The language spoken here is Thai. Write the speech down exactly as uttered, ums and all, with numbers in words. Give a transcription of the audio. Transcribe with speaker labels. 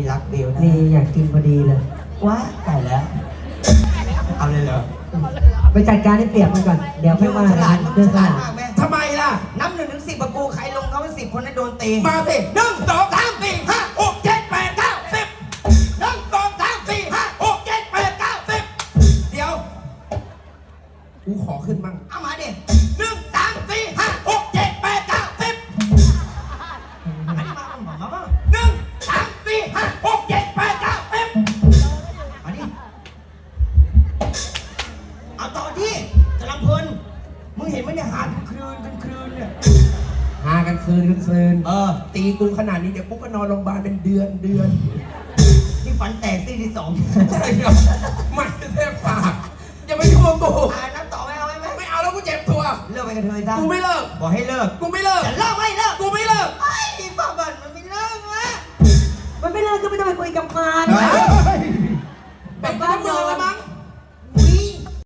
Speaker 1: รักเบลนะ
Speaker 2: นี่อยากกินพอดีเลย
Speaker 1: ว้าตายแล้วเอาเลยเหรอ
Speaker 2: ไปจัดการให้เปียกมันก่อนเดี๋ยว
Speaker 1: เพื่
Speaker 2: ไม่
Speaker 1: อน
Speaker 2: ว่า
Speaker 1: ฉลาด
Speaker 2: เดิน
Speaker 1: ฉ
Speaker 2: ฉ
Speaker 1: ลา
Speaker 2: ลา
Speaker 1: ด
Speaker 2: ด
Speaker 1: มากแม่
Speaker 3: ทำไมล่ะ
Speaker 1: นับหนึ่งถึงสิบประกูใครลงเขาเป็นสิบคนนั้นโดนตี
Speaker 3: มาสิหนึ่งสองสามสี่ห้าหกเจ็ดแปดเก้าสิบหนึ่งสองสามสี่ห้าหกเจ็ดแปดเก้าสิบเดี๋ยวกูขอขึ้นมั่ง
Speaker 1: เอามาดิ
Speaker 3: หนึ่งสามสี่ห้าหกเจ็ดแปดเก้าสิบ
Speaker 1: อันนี้มามามามา
Speaker 3: หนึ่งสามสี่ห้าหกเจ็ดแปดเก้าสิบ
Speaker 1: มาดิเอาต่อที่กำลังเพลินมึงเห็นไหมเนี่ยหากันคืนกันคืนเนี่ย
Speaker 3: หากันคืนกันคืน
Speaker 1: เออ
Speaker 3: ตีกูขนาดนี้เดี๋ยวกูก็นอนโรงพยาบาลเป็นเดือนเดือน
Speaker 1: ที่ฟันแตกซี่ที่สอง
Speaker 3: ใช่ครับมันแทบปากอย่าไปยุ่งกับกู
Speaker 1: อ่านับต่อไหมเอาไหมไหม
Speaker 3: ไม่เอาแล้วกูเจ็บตัว
Speaker 1: เลิกไปกันเถอะจ้า
Speaker 3: กูไม่เลิก
Speaker 1: บอกให้เลิก
Speaker 3: กูไม่เลิก
Speaker 1: จะเลิกไม่เลิก
Speaker 3: กูไม่เลิก
Speaker 1: ไอ้ฟ้าบันมันไม่เลิกนะ
Speaker 2: มันไม่เลิกก็ไม่ต้องไปคุยกับมัน
Speaker 3: เฮ้ย